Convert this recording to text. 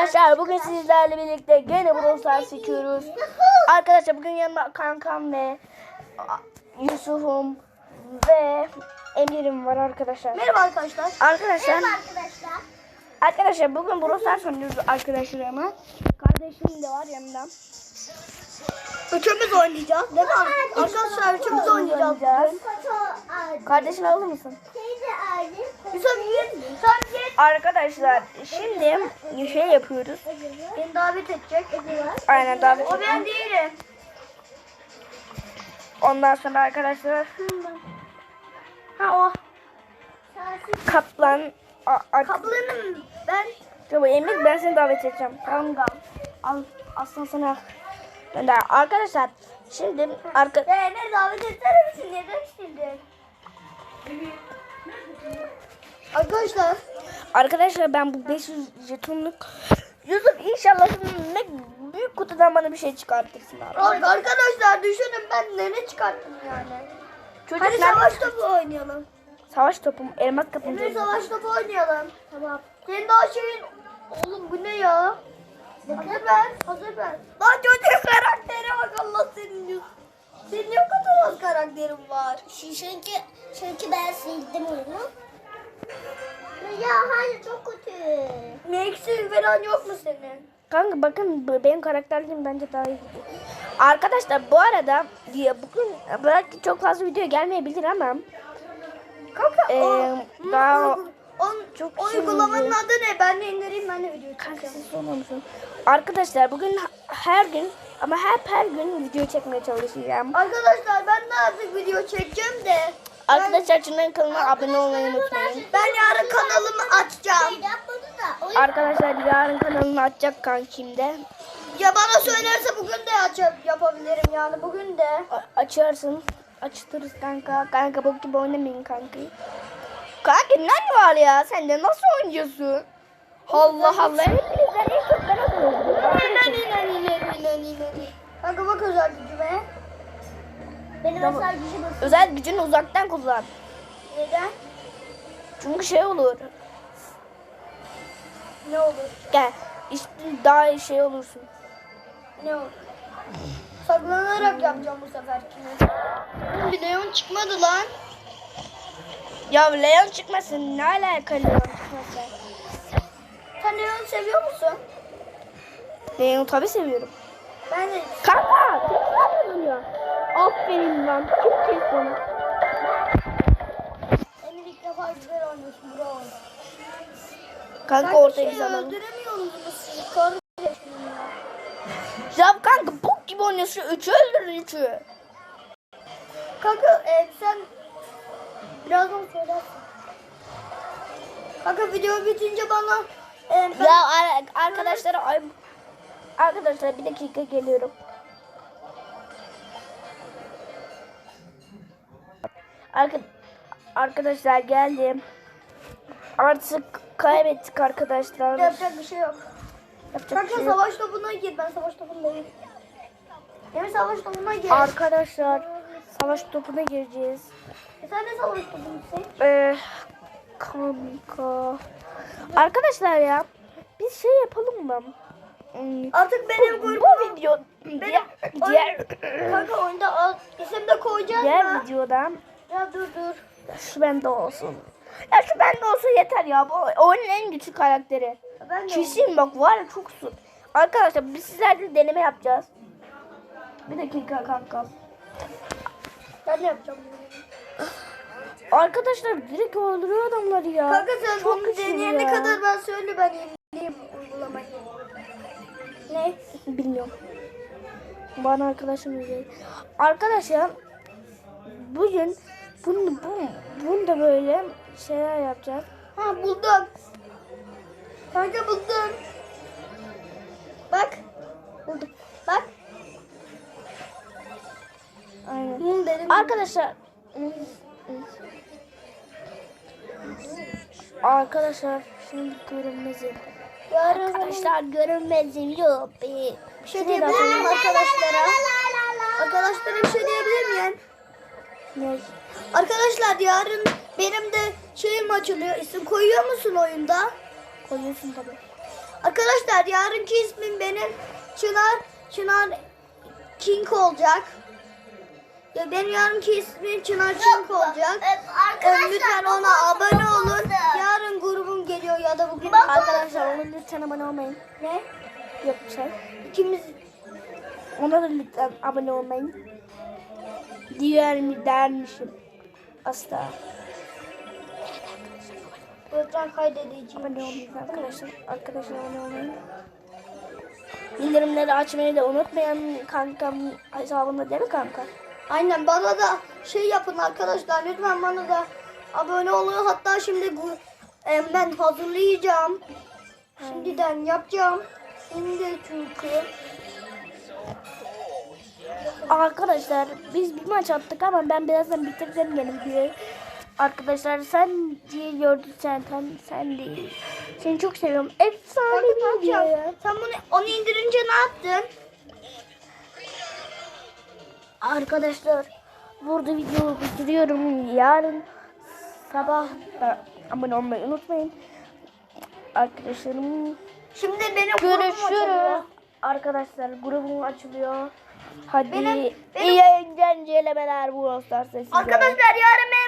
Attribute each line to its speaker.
Speaker 1: Arkadaşlar bugün sizlerle birlikte gene Brawl Stars çekiyoruz. Arkadaşlar bugün yanımda kankam ve Yusuf'um ve Emir'im var arkadaşlar.
Speaker 2: Merhaba arkadaşlar.
Speaker 1: Arkadaşlar bugün Brawl Stars oynuyoruz arkadaşlarıma. Kardeşim de var yanımda.
Speaker 2: Üçümüz oynayacağız. Değil mi? Arkadaşlar üçümüz oynayacağız.
Speaker 1: Kardeşini alır mısın?
Speaker 2: Yusuf git.
Speaker 1: Arkadaşlar şimdi şey yapıyoruz.
Speaker 2: Beni davet edecek.
Speaker 1: Aynen davet
Speaker 2: O ben değilim.
Speaker 1: Ondan sonra arkadaşlar
Speaker 2: Ha o.
Speaker 1: Kaplan
Speaker 2: Kaplanım ben.
Speaker 1: Tamam Emir, ben seni davet edeceğim. Tamam al aslan sana gönder. Arkadaşlar şimdi
Speaker 2: Ne davet etsene misin? Neden şimdi? Arkadaşlar
Speaker 1: ben bu 500 jetonluk Yusuf inşallah ne büyük kutudan bana bir şey çıkartırsın abi.
Speaker 2: arkadaşlar düşünün ben ne çıkarttım yani.
Speaker 1: Çocuk
Speaker 2: Hadi savaş topu oynayalım.
Speaker 1: Savaş topum, elmas kapımcı.
Speaker 2: Emre savaş topu oynayalım. Tamam. Senin daha şeyin... Oğlum bu ne ya? Hazır ben. Lan çocuğun karaktere bak Allah senin diyorsun. Senin ne kadar az karakterin var.
Speaker 3: Çünkü ben sildim onu. Ya hayır çok kötü.
Speaker 2: Ne eksiğin falan yok mu senin?
Speaker 1: Kanka bakın benim karakterlerim bence daha iyi. Arkadaşlar bu arada bugün belki çok fazla video gelmeyebilir ama
Speaker 2: Kanka
Speaker 1: daha
Speaker 2: çok uygulamanın adı ne? Ben de indireyim, ben de video
Speaker 1: kanka
Speaker 2: çekeceğim.
Speaker 1: siz sorma mısın? Arkadaşlar bugün her gün ama her gün video çekmeye çalışacağım.
Speaker 2: Arkadaşlar ben de artık video çekeceğim de.
Speaker 1: Arkadaşlar Çınar'ın kanalına abone olmayı unutmayın.
Speaker 2: Ben yarın kanalımı açacağım.
Speaker 3: Yapmadı da. O
Speaker 1: Arkadaşlar yarın kanalını açacak kankim de.
Speaker 2: Ya bana söylerse bugün de yapabilirim yani bugün de.
Speaker 1: Açarsın. Açtırırız kanka. Kanka bok gibi oynamayın kanka. Kanka ne var ya? Sen de nasıl oynuyorsun? Allah Allah. Hepinizden en çok ben oynuyorum.
Speaker 2: Kanka bak özel gücüme.
Speaker 3: benim
Speaker 1: Tamam.
Speaker 3: özel gücüm nasıl?
Speaker 1: Özel gücünü uzaktan kullan.
Speaker 2: Neden?
Speaker 1: Çünkü şey olur.
Speaker 2: Ne olur?
Speaker 1: Gel. İşte daha iyi şey olursun.
Speaker 2: Ne olur? Saklanarak yapacağım bu seferkini. Bir Leon çıkmadı lan.
Speaker 1: Ya Leon çıkmasın. Ne alakalı Leon çıkmasın?
Speaker 2: Sen Leon'u seviyor musun?
Speaker 1: Leon'u tabii seviyorum.
Speaker 2: Ben de.
Speaker 1: Kanka! Kim oluyor? Aferin lan. Kim kesti onu?
Speaker 2: Emir ilk defa güzel oynuyorsun bro.
Speaker 1: Kanka ortaya bir zaman.
Speaker 2: Öldüremiyorum bunu. Kardeşim
Speaker 1: Ya kanka bok gibi oynuyorsun. Üçü öldürün üçü.
Speaker 2: Kanka sen birazdan söylersin. Kanka video bitince bana ben...
Speaker 1: Ya arkadaşlar bir dakika geliyorum. Arkadaşlar geldim. Artık kaybettik arkadaşlar.
Speaker 2: Yapacak bir şey yok.
Speaker 1: Yapacak bir
Speaker 2: Kanka
Speaker 1: şey yok.
Speaker 2: savaş topuna gir. Ben savaş topundayım. Emir savaş topuna gir.
Speaker 1: Arkadaşlar savaş topuna gireceğiz.
Speaker 2: Sen ne savaş topunusun?
Speaker 1: Kanka. Arkadaşlar ya biz şey yapalım mı?
Speaker 2: Artık benim
Speaker 1: Bu
Speaker 2: grubum.
Speaker 1: video diğer
Speaker 2: Kanka oyunda isim de koyacağız
Speaker 1: diğer
Speaker 2: mı?
Speaker 1: videoda
Speaker 2: Ya dur.
Speaker 1: şu bende olsun. Ya şu bende olsa yeter ya. Bu oyunun en güçlü karakteri.
Speaker 2: Ben de
Speaker 1: Kesin bak var ya çok su. Arkadaşlar biz sizlerle deneme yapacağız. Bir dakika kanka.
Speaker 2: Ben de yapacağım.
Speaker 1: Arkadaşlar direkt öldürüyor adamları ya.
Speaker 2: Kanka sen
Speaker 1: çok
Speaker 2: bunu
Speaker 1: güçlü
Speaker 2: deneyene
Speaker 1: ya.
Speaker 2: kadar ben söyle ben yenileyim uygulamayı. Ne?
Speaker 1: Bilmiyorum. Bana arkadaşım öyle. Arkadaşlar bugün bunu da böyle şeyler yapacağız.
Speaker 2: Ha buldum. Kanka buldum. Bak. Buldum. Bak.
Speaker 1: Aynen.
Speaker 2: Dedim.
Speaker 1: Arkadaşlar şimdi görünmezim.
Speaker 2: Yarın
Speaker 1: Arkadaşlar görünmezim yok.
Speaker 2: bir şey diyebilir miyim arkadaşlara? Arkadaşlara bir şey diyebilir miyim?
Speaker 1: Ne?
Speaker 2: Arkadaşlar yarın benim de şeyim açılıyor. İsim koyuyor musun oyunda?
Speaker 1: Koyuyorsun tabii.
Speaker 2: Arkadaşlar yarınki ismim benim Çınar King olacak. Ya benim yarınki ismim Çınar King olacak. Lütfen ona abone olun. Yarın grubum geliyor ya da bugün.
Speaker 1: Arkadaşlar ona lütfen abone olmayın.
Speaker 2: Ne?
Speaker 1: Yok bir şey.
Speaker 2: İkimiz
Speaker 1: Ona da lütfen abone olmayın. Diğer mi dermişim. Asla.
Speaker 2: ekran kaydedeceğim.
Speaker 1: Abone olmayın arkadaşlar. Arkadaşlar abone olmayın. Bildirimleri açmayı da unutmayın kankam hesabında değil mi kanka?
Speaker 2: Aynen bana da şey yapın arkadaşlar. Lütfen bana da abone olun. Hatta şimdi ben hazırlayacağım. Şimdiden yapacağım. Şimdi çünkü.
Speaker 1: Arkadaşlar biz bir maç attık ama ben birazdan bitireceğim benim diye. Arkadaşlar sen diye gördün sen değil. Seni çok seviyorum. Efsane bir video ya.
Speaker 2: Sen onu indirince ne yaptın?
Speaker 1: Arkadaşlar burada videoyu bitiriyorum. Yarın sabah da abone olmayı unutmayın. Arkadaşlarım
Speaker 2: Şimdi benim grubum açılıyor.
Speaker 1: görüşürüz. Arkadaşlar grubum açılıyor. Hadi
Speaker 2: Benim-
Speaker 1: iyi eğlenceler bu Star sesiyle.
Speaker 2: Arkadaşlar yarın